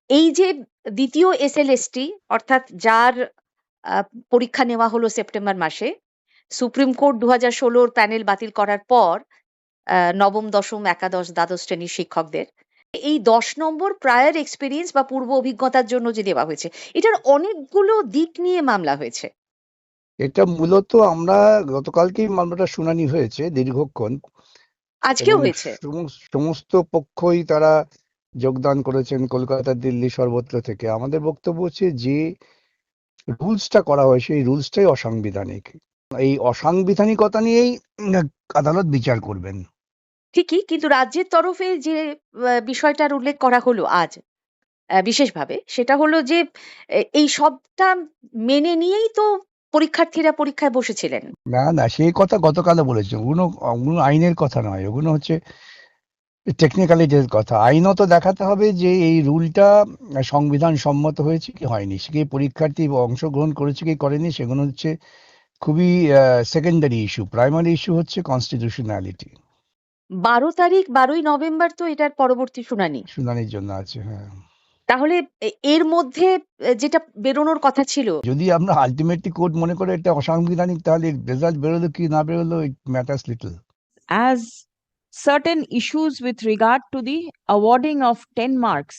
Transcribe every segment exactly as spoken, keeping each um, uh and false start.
এই যে দ্বিতীয় এসএলএসটি অর্থাৎ যার আ পরীক্ষা নেওয়া হলো সেপ্টেম্বর মাসে, সুপ্রিম কোর্ট দুই হাজার ষোলো র প্যানেল বাতিল করার পর আ নবম, দশম, একাদশ, দ্বাদশ শ্রেণীর শিক্ষকদের এই দশ নম্বর প্রায়র এক্সপেরিয়েন্স বা পূর্ব অভিজ্ঞতার জন্য যে দেওয়া হয়েছে, এটার অনেকগুলো দিক নিয়ে মামলা হয়েছে। এটা মূলত আমরা গতকালকেই মামলাটা শুনানি হয়েছে দীর্ঘক্ষণ, আজকেও এবং হয়েছে। সমস- সমস্ত পক্ষই তারা যোগদান করেছেন কলকাতা, দিল্লি, সর্বত্র থেকে। আমাদের বক্তব্য হচ্ছে যে রুলসটা করা হয়েছে এই রুলসটাই অসাংবিধানিক। এই অসাংবিধানিকতা নিয়েই উম, আদালত বিচার করবেন। ঠিকই, কিন্তু রাজ্যের তরফে যে আ বিষয়টার উল্লেখ করা হলো আজ আ বিশেষভাবে, সেটা হলো যে এ এই সবটা মেনে নিয়েই তো পরীক্ষার্থীরা পরীক্ষায় বসেছিলেন। না না, সেই কথা গতকালও বলেছে। ওগুলো ওগুলো আইনের কথা নয়, ওগুলো হচ্ছে টেকনিক্যালিটির কথা। আইনত দেখাতে হবে যে এই রুলটা সংবিধান সম্মত হয়েছে কি হয়নি, সে কি পরীক্ষার্থী অংশগ্রহণ করেছে কি করেনি, সেগুলো হচ্ছে খুবই সেকেন্ডারি ইস্যু। প্রাইমারি ইস্যু হচ্ছে কনস্টিটিউশনালিটি। বারো তারিখ বারোই নভেম্বর তো এটার পরবর্তী শুনানি। শুনানির জন্য আছে, হ্যাঁ। তাহলে এ এর মধ্যে এ যেটা বেরোনোর কথা ছিল। যদি আমরা আলটিমেটলি কোর্ট মনে করে এটা অসাংবিধানিক, তাহলে রেজাল্ট বেরোলো কি না বেরোলো, it matters little. As certain issues with regard to the awarding of ten marks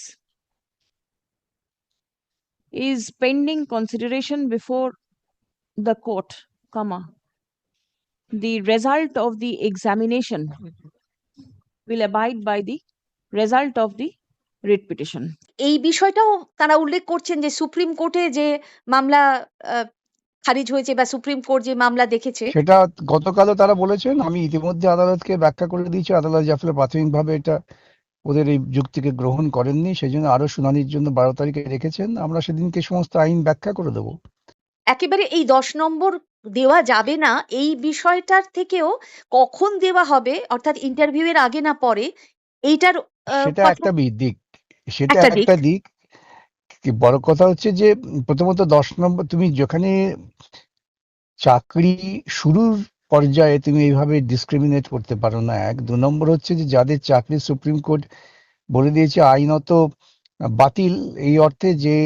is pending consideration before the court, comma, the result of the examination will abide by the result of the writ petition. এই বিষয়টাও তারা উল্লেখ করছেন যে supreme কোর্টে যে মামলা আ খারিজ হয়েছে বা সুপ্রিম কোর্ট যে মামলা দেখেছে। সেটা গতকালও তারা বলেছেন। আমি ইতিমধ্যে আদালতকে ব্যাখ্যা করে দিয়েছি। আদালত যার প্রাথমিকভাবে এটা ওদের এই যুক্তিকে গ্রহণ করেননি, সেই জন্য আরো শুনানির জন্য বারো তারিখে রেখেছেন। আমরা সেদিনকে সমস্ত আইন ব্যাখ্যা করে দেবো। একেবারে এই দশ নম্বর দেওয়া যাবে না এই বিষয়টার থেকেও কখন দেওয়া হবে, অর্থাৎ ইন্টারভিউ এর আগে না পরে, এইটার আ সেটা কথা একটা বি- দিক, সেটা একটা দিক। একটা দিক। কি বড় কথা হচ্ছে যে উম, প্রথমত দশ নম্বর, তুমি যেখানে চাকরি শুরুর পর্যায়ে তুমি এইভাবে ডিসক্রিমিনেট করতে পারো না। এক দু নম্বর হচ্ছে যে যাদের চাকরি সুপ্রিম কোর্ট বলে দিয়েছে আইনত বাতিল, এই অর্থে যে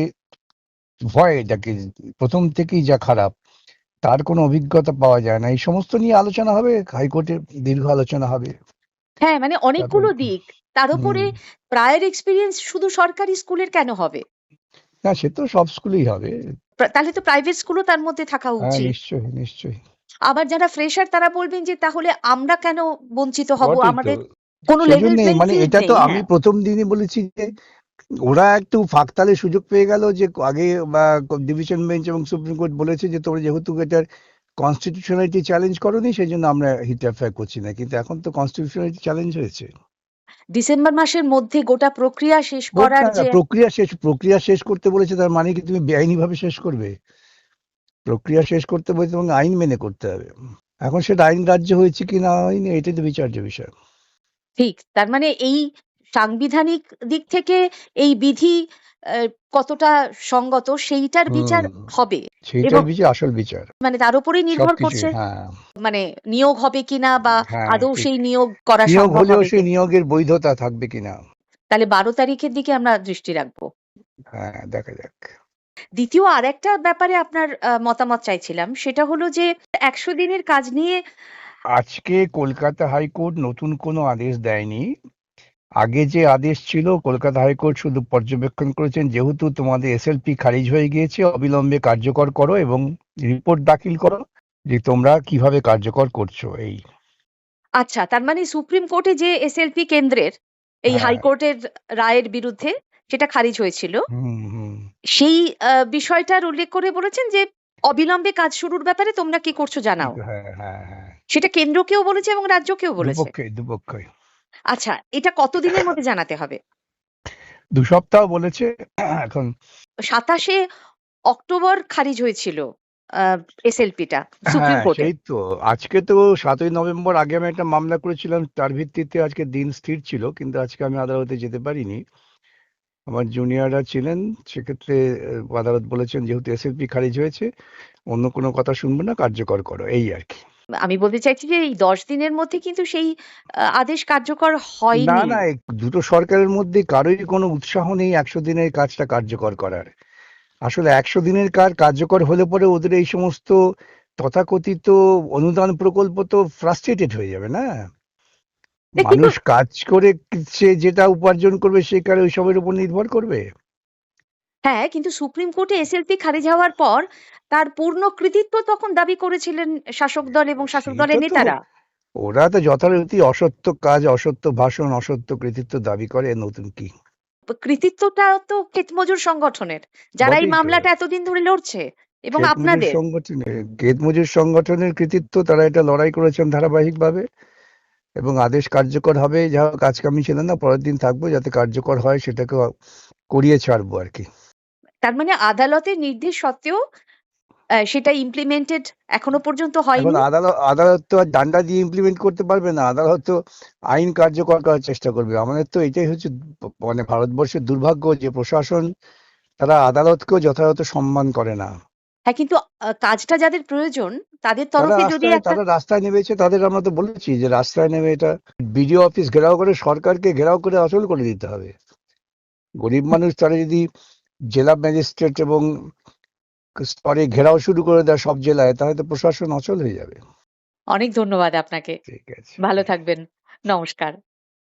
ভয় এটাকে প্রথম থেকেই যা খারাপ, তার কোনো অভিজ্ঞতা পাওয়া যায় না। এই সমস্ত নিয়ে আলোচনা হবে, হাইকোর্টে দীর্ঘ আলোচনা হবে। হ্যাঁ, মানে তারপর অনেকগুলো দিক। তার উপরে হম প্রায়র এক্সপেরিয়েন্স শুধু সরকারি স্কুলের কেন হবে? না, সে তো সব স্কুলেই হবে। প্রা- তাহলে তো প্রাইভেট স্কুলও তার মধ্যে থাকা হ্যাঁ, উচিত। নিশ্চয়ই নিশ্চয়ই। আবার যারা ফ্রেশার তারা বলবেন যে তাহলে আমরা কেন বঞ্চিত হব, বটেই তো। আমাদের কোনো লেভেল সেজন্যই প্লেইং মানে ফিল্ড এটা তো নেই। আমি হ্যাঁ, প্রথম দিনই বলেছি যে ওরা একটু ফাঁকতালে সুযোগ পেয়ে গেল, যে আগে বা ডিভিশন বেঞ্চ এবং সুপ্রিম কোর্ট বলেছে যে তোমরা যেহেতু এটার কনস্টিটিউশনালিটি চ্যালেঞ্জ করোনি, সেই জন্য আমরা ইন্টারফেয়ার করছি না। কিন্তু এখন তো কনস্টিটিউশনালিটি চ্যালেঞ্জ হয়েছে। ডিসেম্বর মাসের মধ্যে গোটা প্রক্রিয়া শেষ হোক করার না, যে প্রক্রিয়া শেষ, প্রক্রিয়া শেষ করতে বলেছে তার মানে কি তুমি বেআইনি ভাবে শেষ করবে? প্রক্রিয়া শেষ করতে বলেছে এবং আইন মেনে করতে হবে। এখন সেটা আইন গ্রাহ্য হয়েছে কি না হয়নি, এটাই তো বিচার্য বিষয়। ঠিক, তার মানে এই সাংবিধানিক দিক থেকে এই বিধি আহ, কতটা সঙ্গত সেইটার বিচার হুম, হবে। এবং সেইটাই বিচার, আসল বিচার। মানে তার উপরেই নির্ভর সবকিছুই, করছে হ্যাঁ। মানে নিয়োগ হবে কিনা বা হ্যাঁ, আদৌ ঠিক। সেই নিয়োগ করা নিয়োগ সম্ভব হলেও হবে সেই কিনা। নিয়োগের বৈধতা থাকবে কিনা। তাহলে বারো তারিখের দিকে আমরা দৃষ্টি রাখবো। হ্যাঁ, দেখা যাক। দ্বিতীয় আরেকটা ব্যাপারে আপনার আহ, মতামত চাইছিলাম, সেটা হলো যে একশো দিনের কাজ নিয়ে। আজকে কলকাতা হাইকোর্ট নতুন কোনো আদেশ দেয়নি। আগে যে আদেশ ছিল, কলকাতা হাইকোর্ট শুধু পর্যবেক্ষণ করেছেন, যেহেতু তোমাদের এসএলপি খারিজ হয়ে গিয়েছে, অবিলম্বে কার্যকর করো এবং রিপোর্ট দাখিল করো যে তোমরা কিভাবে কার্যকর করছো। এই আচ্ছা, তার মানে সুপ্রিম কোর্টে যে এসএলপি কেন্দ্রের এই হ্যাঁ। হাইকোর্টের রায়ের বিরুদ্ধে সেটা খারিজ হয়েছিল, হুম হুম সেই আহ, বিষয়টার উল্লেখ করে বলেছেন যে অবিলম্বে কাজ শুরুর ব্যাপারে তোমরা কি করছো কি জানাও। হ্যাঁ হ্যাঁ হ্যাঁ, সেটা কেন্দ্রকেও বলেছে এবং রাজ্যকেও বলেছে। দুপক্ষই দুপক্ষই। আচ্ছা, এটা কতদিনের মধ্যে জানাতে হবে? দু সপ্তাহ বলেছে এখন। সাতাশে অক্টোবর খারিজ হয়েছিল এসএলপিটা সুপ্রিম হ্যাঁ, কোর্টে। সেই তো। আজকে তো সাতই নভেম্বর আগে আমি একটা মামলা করেছিলাম, তার ভিত্তিতে আজকে দিন স্থির ছিল, কিন্তু আজকে আমি আদালতে যেতে পারিনি। আমার জুনিয়ররা ছিলেন, সেক্ষেত্রে আহ, আদালত বলেছেন যেহেতু এসএলপি খারিজ হয়েছে, অন্য কোনো কথা শুনবো না, কার্যকর করো, এই আর কি। আমি বলতে চাইছি যে এই দশ দিনের মধ্যে কিন্তু সেই আ আদেশ কার্যকর না হয়নি। না এই দুটো সরকারের মধ্যে কারোরই কোনো উৎসাহ নেই একশো দিনের কাজটা কার্যকর করার। আসলে একশো দিনের কাজ কার্যকর হলে পরে ওদের এই সমস্ত তথাকথিত অনুদান প্রকল্প তো ফ্রাস্ট্রেটেড হয়ে যাবে না। এ কিন্তু মানুষ কাজ করে সে যেটা উপার্জন করবে সে কার ওইসবের উপর নির্ভর করবে। হ্যাঁ, কিন্তু সুপ্রিম কোর্টে এসএলপি খারিজ হওয়ার পর তার পূর্ণ কৃতিত্ব তখন দাবি করেছিলেন শাসক দল এবং শাসক সেইটা দলের তো নেতারা। ওরা তো যথারীতি অসত্য কাজ অসত্য ভাষণ অসত্য কৃতিত্ব দাবি করে, এর নতুন কি? কৃতিত্বটা তো ক্ষেতমজুর সংগঠনের, যারা এই বটেই তো। মামলাটা এতদিন ধরে লড়ছে এবং ক্ষেত মজুর আপনাদের। সংগঠনের ক্ষেত মজুর সংগঠনের কৃতিত্ব, তারা এটা লড়াই করেছেন ধারাবাহিকভাবে এবং আদেশ কার্যকর হবে। যা হোক আজকে আমি ছিলাম না, পরের দিন থাকবো, যাতে কার্যকর হয় সেটাকে করিয়ে ছাড়বো আর কি। তার মানে আদালতের নির্দেশ সত্ত্বেও আ সেটা ইমপ্লিমেন্টেড এখনো পর্যন্ত এখন হয়নি। আদালত আদালত তো আর ডান্ডা দিয়ে ইমপ্লিমেন্ট করতে পারবে না, আদালত তো আইন কার্যকর করার চেষ্টা করবে। আমাদের তো এটাই হচ্ছে প- মানে ভারতবর্ষের দুর্ভাগ্য যে প্রশাসন তারা আদালতকেও যথাযথ সম্মান করে না। হ্যাঁ, কিন্তু আ কাজটা যাদের প্রয়োজন তাদের তারা তরফে যদি রাস্তায় একটা তারা রাস্তায় নেমেছে, তাদের আমরা তো বলেছি যে রাস্তায় নেমে এটা বিডিও অফিস ঘেরাও করে সরকারকে ঘেরাও করে অচল করে দিতে হবে। গরিব মানুষ তারা যদি জেলা ম্যাজিস্ট্রেট এবং স্তরে ঘেরাও শুরু করে দেয় সব জেলায়, তাহলে তো প্রশাসন অচল হয়ে যাবে। অনেক ধন্যবাদ আপনাকে। ঠিক আছে। ভালো থাকবেন। নমস্কার।